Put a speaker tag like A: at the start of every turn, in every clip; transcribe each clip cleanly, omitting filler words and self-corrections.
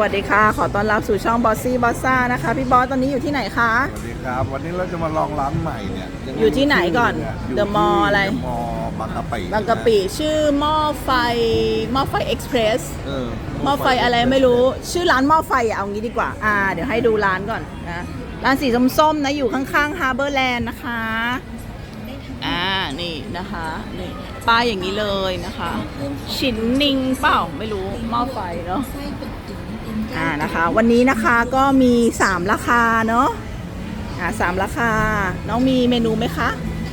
A: วัสดีค่ะขอต้อนรับสู่ช่องบอสซี่บอสซ่านะคะพี่บอสตอนนี้อยู่ที่ไหนคะ
B: สวัสดีครับวันนี้เราจะมาลองร้านใหม่เนี่ย
A: อยู่ที่ไหนก่อนเดอะมอลล์อะไร
B: เดอะมอลล์บางกะปิ
A: บางกะปิชื่อหม้อไฟเอ็กซ์เพรส
B: ห
A: ม้อไฟอะไรไม่รู้ชื่อร้านหม้อไฟเอางี้ดีกว่าเดี๋ยวให้ดูร้านก่อนนะร้านสีส้มๆนะอยู่ข้างๆฮาร์เบอร์แลนด์นะคะนี่นะคะนี่ป้ายอย่างนี้เลยนะคะชินนิงเปล่าไม่รู้หม้อไฟเนาะนะคะวันนี้นะคะก็มี3ราคาเนาะ3ราคาน้องมีเมนูไหมคะ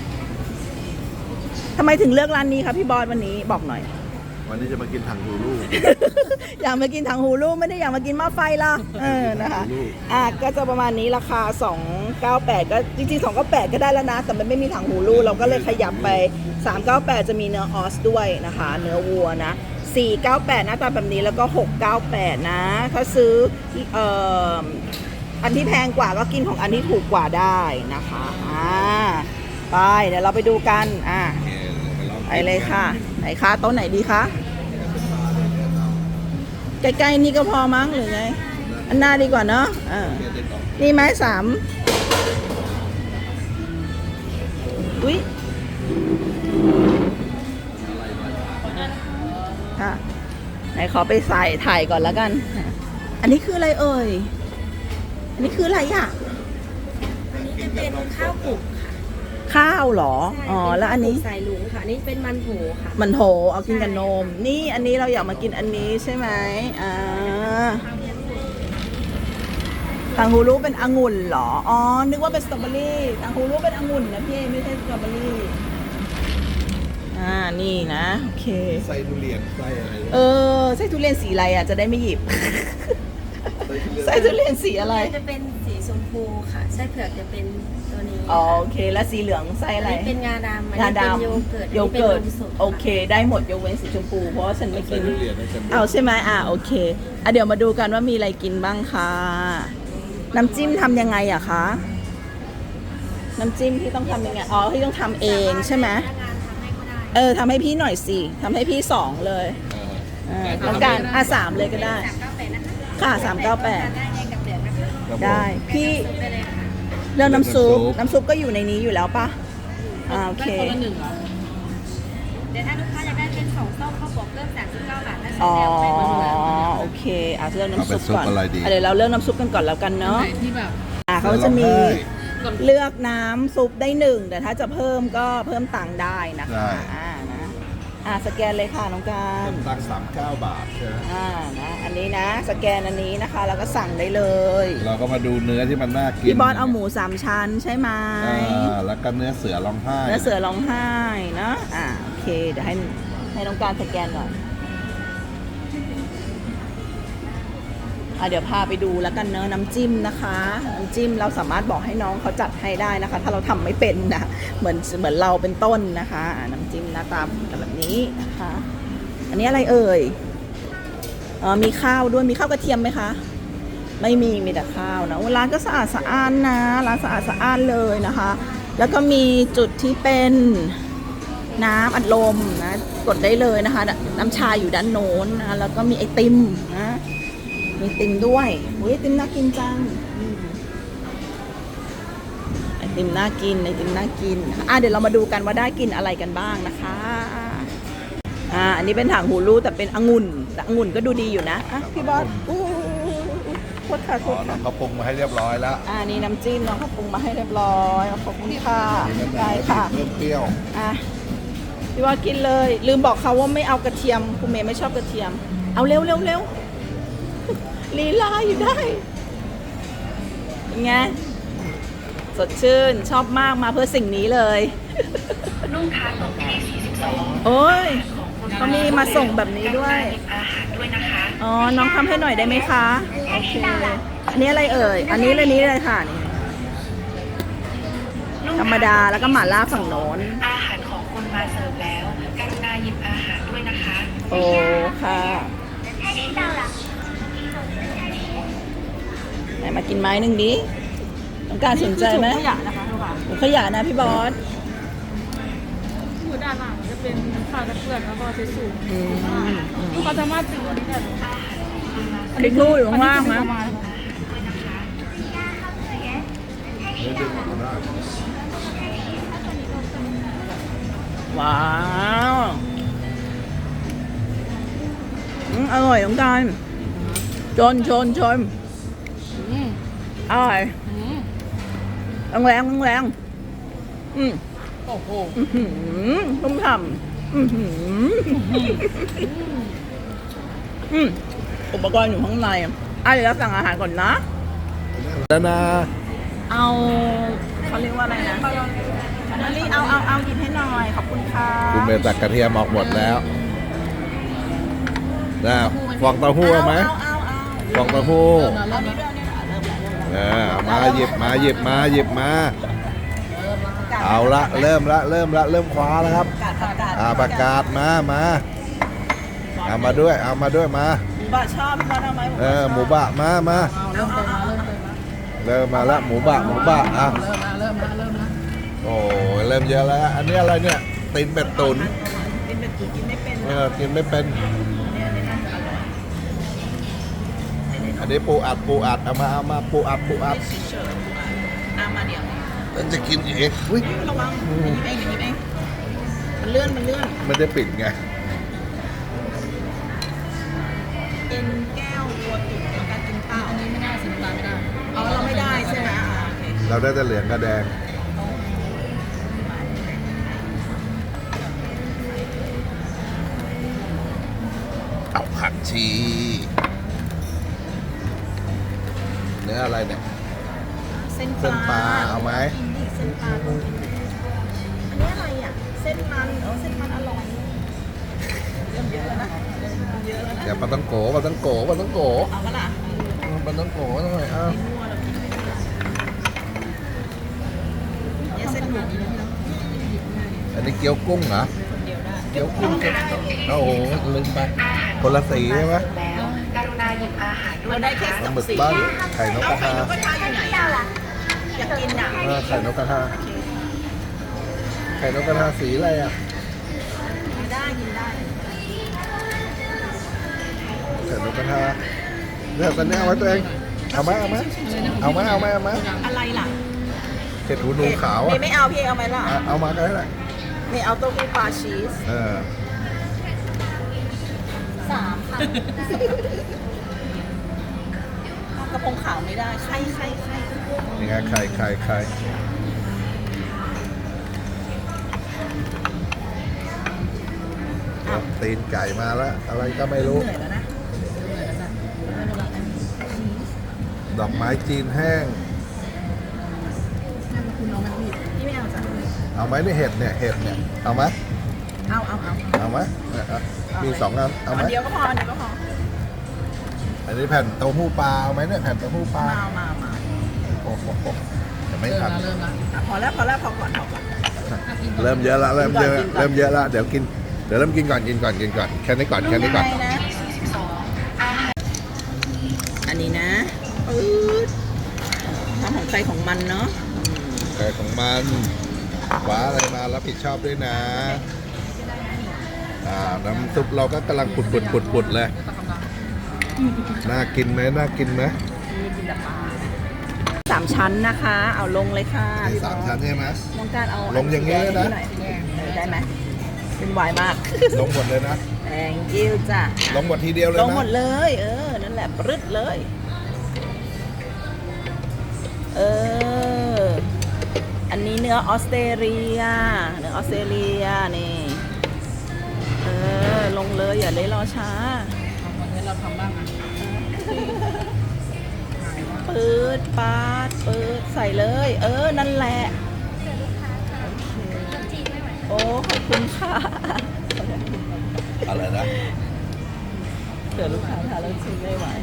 A: ทำไมถึงเลือกร้านนี้คะพี่บอสวันนี้บอกหน่อย
B: วันนี้จะมากินถังหูลูก
A: อยากมากินถังหูลูกไม่ได้อยากมากินหม้อไฟละนะคะก็จะประมาณนี้ราคา298ก็จริงๆ298ก็ได้แล้วนะแต่มันไม่มีถังหูลูกเราก็เลยขยับไป398จะมีเนื้อออสด้วยนะคะเนื้อวัวนะ498หน้าตาแบบนี้แล้วก็698นะถ้าซื้ออันที่แพงกว่าก็กินของอันที่ถูกกว่าได้นะคะไปเดี๋ยวเราไปดูกันไปเลยค่ะไหนคะโต๊ะไหนดีคะใกล้ๆนี่ก็พอมั้งหรือไงอันหน้าดีกว่าเนาะนี่ไม้3อุ๊ยค่ะไหนขอไปใส่ถ่ายก่อนแล้วกันอันนี้คืออะไรเอ่ยอันนี้คืออะไรอ่ะ
C: อันนี้จะเป็นข้าวกลุ่มค่ะ
A: ข้าวหรอแล้วอันนี้
C: ใส่หลุงค่ะนี่เป็นมันโถค่ะ
A: มันโถเอากินกับนมนี่อันนี้เราอยากมากินอันนี้ใช่ไหมทางฮูรูเป็นองุ่นหรอนึกว่าเป็นสตรอเบอรี่ทางฮูรูเป็นองุ่นนะพี่ไม่ใช่สตรอเบอรี่นี่นะโอเค
B: ไส้ทุเรียนไส้อะไร
A: ไส้ทุเรียนสีอะไรจะได้ไม่หยิบไส้ทุเรียนสีอะไร
C: จะเป็นสีชมพูค่ะไส้เผือกจะเป็นตัวนี้
A: โอเคแล้วสีเหลืองไส้อะไร
C: เป็นงาดำ
A: งาดำโยเกิร์ตโอเคได้หมดยกเว้นสีชมพูเพราะว่าฉันไม่กินเอาใช่ไหมโอเคเดี๋ยวมาดูกันว่ามีอะไรกินบ้างค่ะน้ำจิ้มทำยังไงอะคะน้ำจิ้มที่ต้องทำยังไงที่ต้องทำเองใช่ไหมทำให้พี่หน่อยสิทำให้พี่2เลยต้องการ3เลยก็ได้ค่ะ398ได้พี่เรื่องน้ำซุปก็อยู่ในนี้อยู่แล้วปะโอเค
C: เดี๋ยวถ้าลูกค้าอยากได้เป็น2ส้มข้าวบวกเริ่ม39 บาท
A: โอเคเลือกน้ำซุปก่อนเดี๋ยวเราเลือกน้ำซุปกันก่อนแล้วกันเนาะเขาจะมีเลือกน้ำซุปได้1แต่ถ้าจะเพิ่มก็เพิ่มตังค์ได้นะคะสแกนเลยค่ะน้องการ
B: ตังค์39 บาทใช่ไหม
A: นะอันนี้นะสแกนอันนี้นะคะแล้วก็สั่งได้เลย
B: เราก็มาดูเนื้อที่มันน่ากิน
A: พี่บอสเอาหมู3ชั้นใช่ไหม
B: แล้วก็เนื้อเสือร้องไห้
A: นะโอเคเดี๋ยวให้น้องการสแกนก่อนเดี๋ยวพาไปดูแล้วกันเนอะน้ำจิ้มนะคะน้ำจิ้มเราสามารถบอกให้น้องเขาจัดให้ได้นะคะถ้าเราทำไม่เป็นนะเหมือนเราเป็นต้นนะคะน้ำจิ้มหน้าตาแบบนี้นะคะอันนี้อะไรเอ่ยมีข้าวด้วยมีข้าวกระเทียมไหมคะไม่มีแต่ข้าวนะร้านก็สะอาดสะอ้านนะร้านสะอาดสะอ้านเลยนะคะแล้วก็มีจุดที่เป็นน้ำอัดลมนะกดได้เลยนะคะน้ำชาอยู่ด้านโน้นนะแล้วก็มีไอติมนะมีติมด้วยไอติมน่ากินจังไอติมน่ากินเดี๋ยวเรามาดูกันว่าได้กินอะไรกันบ้างนะคะอันนี้เป็นถังหูรูแต่เป็นองุ่นแต่องุ่นก็ดูดีอยู่นะพี่บอสโทษค่ะ
B: น้องเขาปรุงมาให้เรียบร้อยแล้ว
A: นี่น้ำจิ้มน้องเขาปรุงมาให้เรียบร้อยขอบคุณค่ะได้ค่ะ
B: เปรี้ยว
A: พี่บอสกินเลยลืมบอกเขาว่าไม่เอากระเทียมคุณเมย์ไม่ชอบกระเทียมเอาเร็วลีลาอยู่ได้ยังไงสดชื่นชอบมากมาเพื่อสิ่งนี้เลย
C: ลูกค้าส่งที่42
A: โอ้ยเขามีมาส่งแบบนี้ด้วยน้องทำให้หน่อยได้ไหมคะโอเคอันนี้อะไรเอ่ยอันนี้เลยค่ะนี่ธรรมดาแล้วก็หม่าล่าฝั่งโน้น
C: อาหารของคุณมาเสิร์ฟแล้วกรุณาหยิบอาหารด้วยนะคะ
A: โอ้ค่ะไหนมากินไม้หนึ่งดิต้องการสนใจไหมขยะนะคะขยะนะพี่บอส
D: อยู่ด้านหลังจะเป็นผ้าตะเกียบแล้วก็เช็ดสูบลูกค้าสามารถถือได้
A: คลิกลูกอยู่ข้างล่างนะ
B: เนื้อดึงออกมาได้
A: ว้าวอร่อยน้องการชนอร่อยแรง
D: โอ้โห
A: ต้มฉ่ำอุปกรณ์อยู่ข้างในเดี๋ยวเราสั่งอาหารก่อนนะ
B: แล้วนะ
A: เอาเขาเรียกว่าอะไรนะนาลีเอาหยิบให้หน่อย ขอบคุณค่ะ
B: คุณเมย์ตักกระเทียมออกหมดแล้วนะฟองเต้าหู้เอาไหมฟองเต้าหู้
A: เอานี่ด้วย
B: เอามาหยิบมาเอาละเริ่มคว้าแล้วครับ ประกาศมาเอามาด้วยมา
A: หมูบะชอบพี่บอลเอาไหม
B: หมูบะมา เริ่มมาแล้วหมูบะอ่ะเริ่มละโอ้ยเริ่มเยอะแล้วอันนี้อะไรเนี่ยตีนเป็ดตุ๋น
A: กินเป็นตุ๋นกินไม่เป็น
B: กินไม่เป็นอันนี้ปูอัดเอามาปูอัด
A: เฉยๆมาเดี๋ยว
B: แล้วจะกินเองอุ้ย
A: ระวังหยิบเองมันเลื่อน
B: ไม่ได้ปิดไง
A: เอ็นแก้ววัวตุ๋นแล้วการกินเปล่า
D: อันนี้ไม่ได้สินตาไม่ได้
A: เอาเราไม่ได้ใช่ไหมโอเค
B: เราได้แต่เหลืองกับแดงเอาผักชีเนื้ออะไรเนี่ย
A: เส้น
B: เส้นปลาเอาไหม
A: เส้นปลาอันนี้อะไรอ่ะเส้นมันเส้นมันอร่อยเริ่มเยอะแล้วนะ
B: เดี๋ยวปลาต้องโก
A: เอาปะล่ะ
B: ปลาต้องโกหน่อยอ้าว
A: เนี่ยเส้นหมูนี่นะ
B: อันนี้เกี๊ยวกุ้งเหรอเกี๊ยวกุ้งโอ้โหลืมไปคนละสีใช่ไหม
A: เราได้แค่
B: ป
A: ส
B: ลา
A: อง
B: หมึก
A: สี
B: บ้านไข่นกกระทา
A: ก็ทาอยู่ไหนอ่ะอยากกินอ่ะ
B: ไข่นกกระทาไข่นกกระทาสีอะไรอ่ะ
A: กินได้
B: ไข่นกกระทาเดี๋ยวตอนนี้เอาไว้ตัวเองเอาไหม
A: อะไรล่ะ
B: เห็ดหูหนูขาว
A: เม
B: อ่ะ
A: ย์ไม่เอาพี่เอาไหมล่ะ
B: เอามาก็ได้แหละ
A: เมย์เอาเต้าหู้ปลาชีส 3 ค่ะกระพงขาวไม่ได้ไข่
B: ยังไงไข่ตีนไก่มาแล้วอะไรก็ไม่รู้
A: เหนื่อยแล้วนะ
B: ดอกไม้จีนแห้ง
A: พี่ไม่เอาจ้ะ
B: เอาไหมนี่เห็ดเนี่ยเอาไหม
A: เอา
B: ไหมมี2 อันเอาไหม
A: อันเดียวก็พอ
B: อันนี้แผ่นเต้าหู้ปลาเอาไหมเนี่ยแผ่นเต้าหู้ปลา
A: มา
B: โอ้โหจะไม่ทัน
D: เริ่มละ
A: พอแล้วพอก่อน
B: เริ่มเยอะละเริ่มเยอะละเดี๋ยวเริ่มกินก่อนแค่นี้ก่อน
A: ยังไงนะอันนี้นะปื๊ดทำของใครของมันเนาะ
B: ไก่ของมันคว้าอะไรมารับผิดชอบด้วยนะน้ำซุปเราก็กำลังปุดเลยน่ากินไหม
A: 3 ชั้นนะคะ เอาลงเลยค่ะ
B: มี3 ชั้นใช่ไหม
A: ต้องการเอา
B: ลงอย่างนี้เลยนะ
A: ได้ไหมเป็นวายมาก
B: ลงหมดเลยนะ
A: thank you จ้ะ
B: ลงหมดทีเดียวเลย
A: ล
B: นะ
A: งหมดเลย นั่นแหละปรึดเลย อันนี้เนื้อออสเตรเลียนี่ลงเลยอย่าเลยรอช้า
D: วันนี้เราทำบ้างอ่ะ
A: ปืดปาดใส่เลย นั่นแหละโอเคโอ้ขอบคุณค่ะ
B: อะไรนะ
A: เดี๋ยวลูกค้าทานแล้วชิมไม่ไหว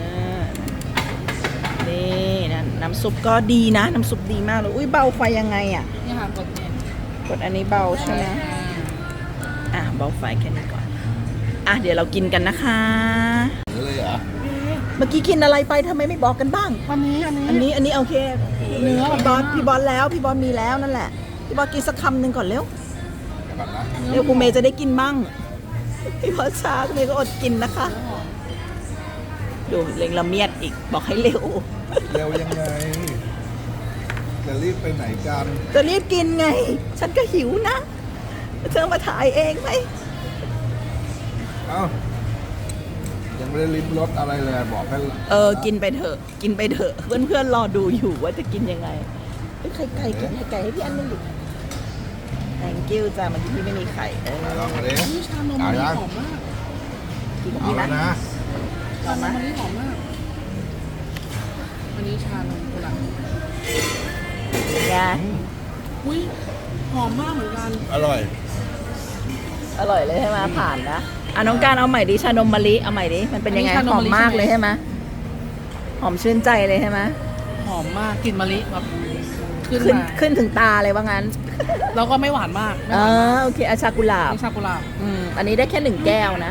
A: นี่นะน้ำซุปก็ดีนะ น้ำซุปดีมากเลยอุ้ยเบาไฟยังไงอ่ะ
D: นี่ค่ะกดเนี่ย
A: กดอันนี้เบาใช่ไหมเบาไฟแค่นี้ก่อนเดี๋ยวเรากินกันนะคะ
B: เลยเหรอ
A: เมื่อกี้กินอะไรไปทำไมไม่บอกกันบ้าง
D: อันนี้
A: โอเค
D: เนื้อ
A: พี่บอลมีแล้วนั่นแหละพี่บอลกินสักคำหนึ่งก่อนเร็ว
B: ก่อนนะ
A: เร็วคุณเมย์จะได้กินมั่งพี่บอลช้าคุณเมย์ก็อดกินนะคะดูเล็งละเมียดอีกบอกให้เร็ว
B: เร็วยังไง จะรีบไปไหนกัน
A: จะรีบกินไง ฉันก็หิวนะเธอมาถ่ายเองไหม
B: เอ้า ยังไม่ได้ลิ้มรสอะไรเลยบอกให้
A: กินไปเถอะ กินไปเถอะ เพื่อนๆรอดูอยู่ว่าจะกินยังไงเฮ้ยไข่ไก่กินไข่ไก่ให้พี่อันนึงดิ thank you จ้ามันที่ไม่มีไข่
B: ลองมาดิ
D: นี่ชานมอันนี้หอมมาก
A: กินกับ
B: เอา
A: พี่
B: แล้ว
A: นะ
B: นะ
A: ลอง
D: ชาน
A: มาม
D: อันนี้หอมมาก อันนี้ชานมกุหลาบ
A: ไง
D: อุ้ยหอมมากเหมือนกัน
B: อร่อย
A: อร่อยเลยใช่ไหมผ่านนะน้องการเอาใหม่ดิชานมมะลิเอาใหม่ดิมันเป็นยังไงหอมมากเลยใช่ไหมหอมชื่นใจเลยใช่ไหม
D: หอมมากกลิ่นมะลิแบบขึ้น
A: ขึ้น
D: มา
A: ขึ้นถึงตาเลยว่างั้น
D: แล้วก็ไม่หวานมากไม่ห
A: อ๋อ
D: วานมาก
A: โอเคอาชากุหลาบ
D: นี่ชากุหลาบ
A: อันนี้ได้แค่1 แก้วนะ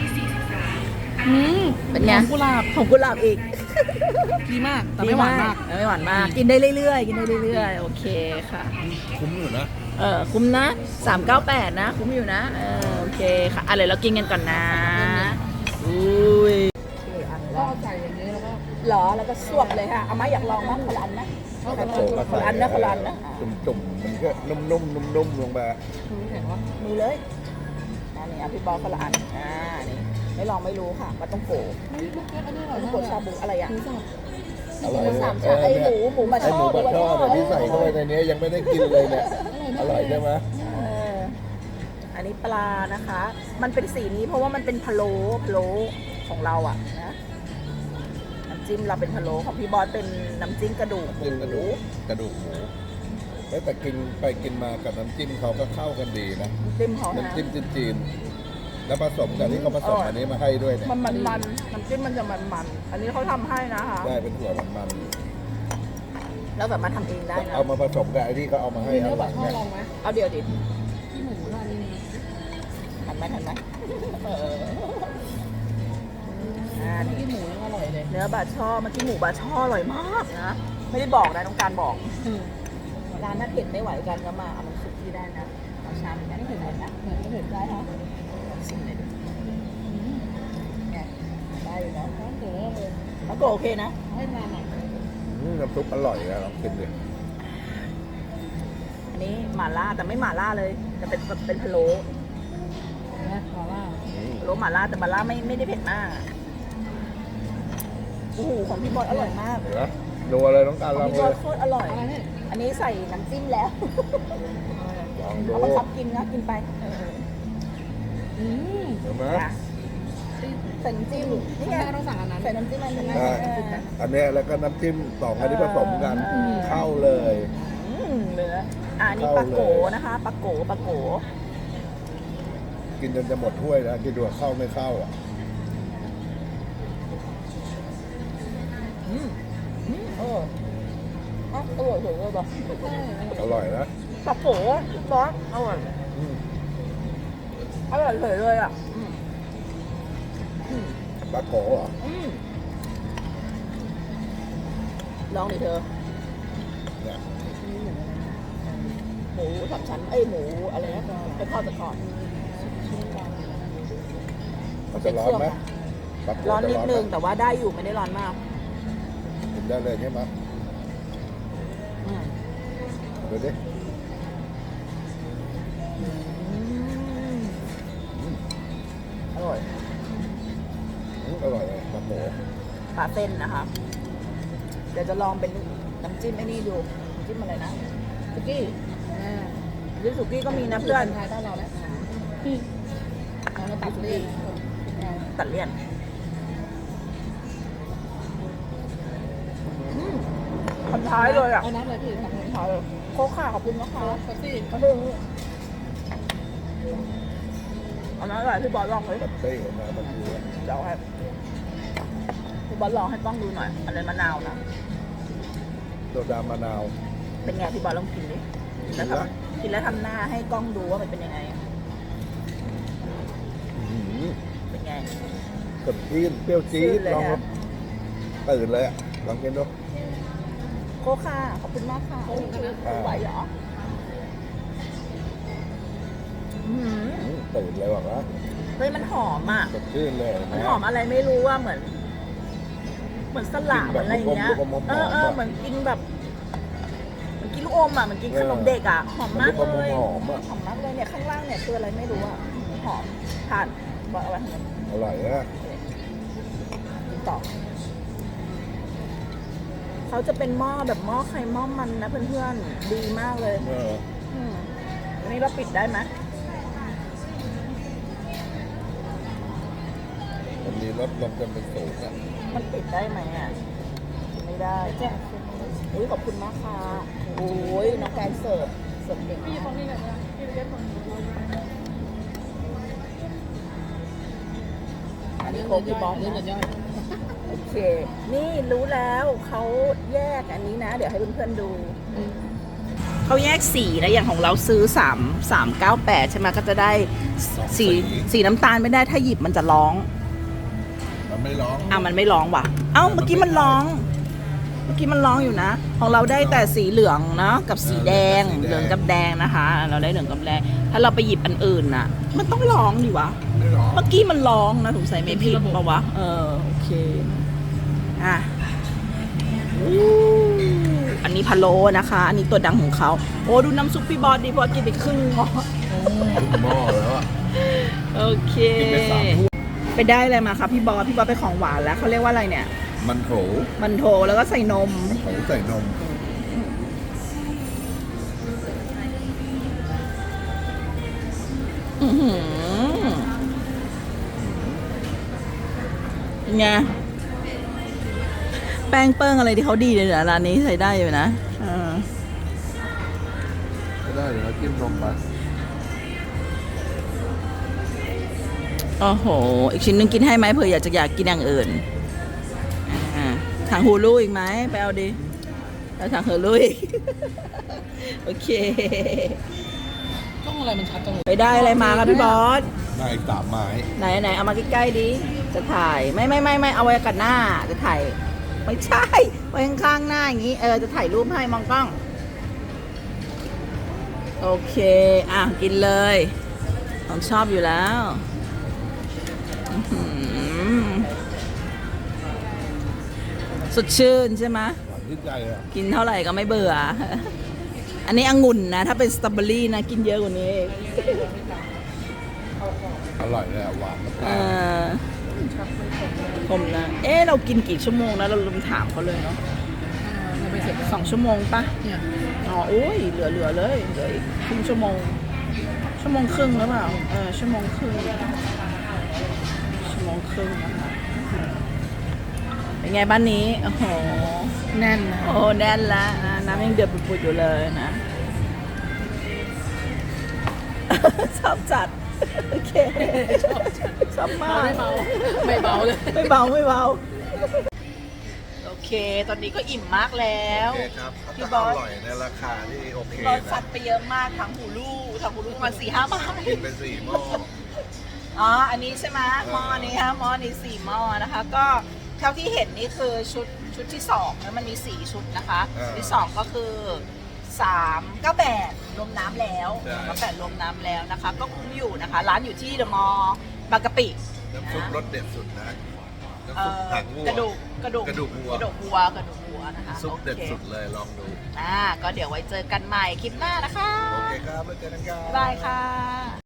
A: เป็นไง
D: หอมกุหลาบ
A: หอมกุหลาบอีก
D: ดีมากแต่ไม่หวานมาก
A: ไม่หวานมาก กินได้เรื่อยๆ กินได้เรื่อยๆ โอเคค่ะ
B: คุ้มอยู่นะ
A: คุ้มนะ 398 นะ คุ้มอยู่นะ โอเคค่ะอะไรเรากินกันก่อนนะ อุ้ย
D: ก็เอาใส่อย่างนี้แล้วก็
A: หรอ แล้วก็สวบเลยค่ะ เอามาอยากลองมั้ยคนละอันนะ
D: เอาไป
A: คนละอันนะคนละอันนะ
B: จุ่มๆ มันก็นุ่มๆ นุ่มๆ ลงไป
D: แข็งว่า
A: มือเลยอันนี้พี่บอลคนละอันนี่ไม่ลองไม่รู้ค่ะปลาต้องโกะ
D: อันนี้อร่
A: ป
D: อย
A: ลาต้อง
D: มาก
A: โกะชาบูอะไรอ่ะ
B: อร่อย
A: สามชั้นไอ้หมูบะ
B: ไอ
A: ช่อ
B: หมูบะช่อเนี่ยที่ใส่เข้าไปในนี้ยังไม่ได้กินเลยเนี่ย อร่อยใช่ไหม
A: อันนี้ปลานะคะ มันเป็นสีนี้เพราะว่ามันเป็นพะโล้ของเราอ่ะนะน้ำจิ้มเราเป็นพะโล้ของพี่บอสเป็นน้ำจิ้มกระดูกหมู
B: จิ้มกระดูกหมูแต่กินไปกินมากับน้ำจิ้มเขาก็เข้ากันดีนะ
A: น้ำจิ้มเขานะ
B: น้ำจิ้มจีนๆแล้วผสมกับที่เขาผสมอันนี้มาให้ด้วยเนี่ย
A: มันน้ำจิ้มมันจะมันอันนี้เขาทำให้นะคะ
B: ได้เป็นถั่วมัน
A: แล้วแบบมาทำเองได้
B: ๆ
A: นะ
B: เอามาผสมกับไอ้ที่เขาเอามาให้
D: มี
B: อั
D: เนื้อน
B: ห
D: บั
B: ลั
D: ก
B: ง
D: ช่อ
B: เนี่ย
D: ลองไหม
A: เอาเดี๋ยวดิ
D: ที่หมูร้านนี้นะ
A: ทันไหมนี่
D: ที่หมูนี่อร่อยเลย
A: เนื้อบาช่อเมื่อกี้หมูบาช่ออร่อยมากนะไม่ได้บอกนะต้องการบอกร้านถ้าเผ็ดไม่ไหวกันก็มาเอามันสุกที่ได้นะเอาชามกันไม่เผ็ดนะ
D: เหมือนไม่เผ็ดได้ค่ะ
A: ชิมเลยดิไงได้อยู่เนาะ
D: ร้านเก๋เลย
A: แล้วก็โอเคนะ
D: ให้มาหน่อย
B: น้ำซุปอร่อยนะลองกินดิ
A: อันนี้หม่าล่าแต่ไม่หม่าล่าเลยแต่เป็นพะโล้
D: นะขอว่า
A: พะโล้หม่าล่าแต่หม่าล่าไม่ได้เผ็ดมากโอ้โหของพี่บอยอร่อยมาก
B: เห็นไหมดูอะไรต้องการ
A: ข
B: ล
A: อ
B: อง ง
A: พี่
B: เล
A: บอย
B: ย
A: โคตรอร่อย
D: อะไรเนี่ย
A: อันนี้ใส่น้ำจิ้มแล้ว
B: ลองดู
A: เอามาทับกินนะกินไป
D: อืม
B: เห็นไหม
A: นะใส่น้ำจิ้มนี่
D: นี่
A: ไง
D: ไงต้องสั่งอันนั้น
A: ใส่น้ำจิ้มอันนี้
B: ใช่อันเนี้ยแล้วก็น้ำจิ้มสองอันนี้ผสมกันเข้าเลย
A: เนื้ออันนี้ปลาโกนะคะปลาโก
B: กินจนจะหมดถ้วยแล้วคิดดูว่าเข้าไม่เข้าอ่ะ
A: อร่อยเลยป่ะ
B: อร่อยนะ
A: ปลาโกบอสอร่อย
B: อืม
A: อร่อยเลยอ่ะ
B: ปลาโกเหรอ
A: ลองดิเธอ
B: เนี่ย
A: หมูสามชั้นหมูอะไรนะไปทอดซะก่อน
B: มันจะร้อนไหมปลาโก
A: ร้อน
B: จะ
A: นิด
B: ไหม
A: นึงแต่ว่าได้อยู่ไม่ได้ร้อนมาก
B: กินได้เลยใช่ไหมดูดิ
A: อร่อย
B: อร่อยเลยปลาโก
A: ปลาเส้นนะคะ เดี๋ยวจะลองเป็นน้ำจิ้มไอ้นี่ดูน้ำจิ้มอะไรนะสุกี้น้ำจิ้มสุกี้ก็มีนะเพื่อน
D: ไทยต้อนเราแล้วเรามาตัดเลี่ยน
A: ตัดเลี่ยนคนท้ายเลยอ่ะ
D: เอาน้ำอะไรพี่ทำให้
A: ท้ายเลยโคกค่ะขอบคุณนะคะ
D: แท็กซี่
A: เอาเลยเอาน้ำอะไรพี่บอลลองเลย
B: ปัตเต้นะมันคือ
A: เดี๋ยวให้พี่บอลลองให้กล้องดูหน่อยอะไรมะนาวนะ
B: โซดามะนาว
A: เป็นไงพี่บอลลองกินดิแล้วทำกินแล้วทำหน้าให้กล้องดูว่ามันเป็นยังไง เป็นไง
B: สดชื่นเปรี้ยวจี๊
A: ชื่
B: ด
A: นเลย
B: ลอง
A: ฮะ
B: ตื่นเลยอ่ะลองกินดู
A: โคกค่ะขอบคุณมากค่ะไหวเหรอ
B: ตื่นเลยบอกว่า
A: เฮ้ยมันหอมอ่ะ
B: สดชื่นเลย
A: มันหอมอะไรไม่รู้ว่าเหมือนเหมือนสลัดเหมือนอะไรอย่างเงี้ยเหมือนกินแบบเหมือนกินลูกอมอ่ะเหมือนกินขนมเด็กอ่ะหอมมากเลย
B: หอมอ่ะ
A: หอมมากเลยเนี่ยข้างล่างเนี่ยคืออะไรไม่รู้อ่ะหอมทานบอกเอาไว้ทำไม
B: อร่อยอ่ะ
A: กินต่อเขาจะเป็นหม้อแบบหม้อไข่หม้อมันนะเพื่อนๆดีมากเลย อันนี้เราปิดได้ไหม
B: มันมีรสลมกันเป็นสูงอ่ะ
A: มันปิดได้ไหมอ่ะไม่ได้จ้ะอุ้ยขอบคุณมากค่ะโอ้ยน้องแกนเสิร์ฟเก่งมากอันนี้โค้กพี่บอส
D: เรื่องย่อย
A: โอเค นี่รู้แล้วเขาแยกอันนี้นะ เดี๋ยวให้เพื่อนๆดูเขาแยกสีนะอย่างของเราซื้อ398ใช่ไหมก็จะได้สีน้ำตาลไม่ได้ถ้าหยิบมันจะร้อง
B: มันไม่ร้อง
A: มันไม่ร้องว่ะ เมื่อกี้มันร้อง เมื่อกี้มันร้องอยู่นะ ของเราได้แต่สีเหลืองเนาะกับสีแดง เหลืองกับแดงนะคะ เราได้เหลืองกับแดง ถ้าเราไปหยิบอันอื่นน่ะ มันต้องร้องดิวะ
B: ไม่ร้อง
A: เมื่อกี้มันร้องนะสงสัยไม่ผิดปะวะ โอเค อ่ะอู้อันนี้พะโล้นะคะ อันนี้ตัวดังของเขา โอ้ดูน้ำซุปพี่บอสดิพอกินไปครึ่งหม้อ
B: ขึ้นหม้อแล้วอ่ะ
A: โอเค
B: กินไป3 ถ้วย
A: ไปได้อะไรมาครับพี่บอสไปของหวานแล้วเขาเรียกว่าอะไรเนี่ย
B: มันโถ
A: มันโถแล้วก็ใส่นม
B: โถใส่นม
A: อื้อหือเป็นไงแป้งเปิ้งอะไรที่เขาดีเลยนะร้านนี้ใส่ได้อยู่นะ
B: ก็ได้เดี๋ยวเราจิ้มนมไป
A: โอ้โห อีกชิ้นนึงกินให้ไหมเผื่ออยากกินอย่างอื่นถังฮูลูอีกไหมไปเอาดิแล้วถังฮูลูอีก โอเค
D: กล้องอะไรมันชัดจังเลย
A: ไปได้อะไรมาครับพี่บอส
B: ได้อีก3 ไม้
A: ไหนเอามาใกล้ๆดิจะถ่ายไม่เอาไว้กันหน้าจะถ่ายไม่ใช่ไว้ข้างๆหน้าอย่างนี้จะถ่ายรูปให้มองกล้องโอเคกินเลยผมชอบอยู่แล้วอื้อหือสดชื่นใช่ไหม
B: หวานชื่นใจอ่ะ
A: กินเท่าไหร่ก็ไม่เบื่อ อันนี้องุ่นนะถ้าเป็นสตรอเบอรี่นะกินเยอะกว่านี้
B: อร่อยเลยอ่ะหวานมาก
A: ผมนะ เรากินกี่ชั่วโมงนะเราลืมถามเขาเลยเนาะ
D: เราไปเสร็จ
A: 2 ชั่วโมงปะ
D: เนี่ย
A: โอ้ยเหลือเลยเหลืออีกครึ่งชั่วโมงครึ่งหรือเปล่าชั่วโมงครึ่งนะคะเป็นไงบ้านนี้โอ้โห
D: แน่นนะ
A: โอ้แน่นละน้ำยังเดือดปุดๆอยู่เลยนะ ชอบจัด โอเค ชอบมาก
D: ไม่เบาไม่เบาเลย
A: ไม่เบา โอเค ตอนนี้ก็อิ่มมากแล้ว
B: โอเคครับ
A: พี่
B: ก็
A: บอส
B: อร่อยในราคาที่โอเค
A: เรา
B: นะ
A: ซัดไปเยอะมากทั้งหูลูประมาณ4-5 ไม้
B: กินไป4 หม้อ
A: อันนี้ใช่ไหมหม้อนี้ฮะหม้อนี้4 หม้อนะคะ ก็เท่าที่เห็นนี่คือชุดที่2แล้วมันมี4 ชุดนะคะ ที่2ก็คือ398รวมน้ำแล้ว398รวมน้ำแล้วนะคะ ก็คุ้มอยู่นะคะ ร้านอยู่ที่เดอะมอลล์บางกะปิ
B: น้ำซุปรสเด็ดสุดนะน้ำซุปหางวัว
A: กระดูกวัวนะคะ
B: ซุปเด็ด
A: โอค
B: สุดเลยลองดู
A: ก็เดี๋ยวไว้เจอกันใหม่คลิปหน้านะคะ
B: โอเคครับแล้วเจอกันครับ
A: บ๊ายบายค่ะ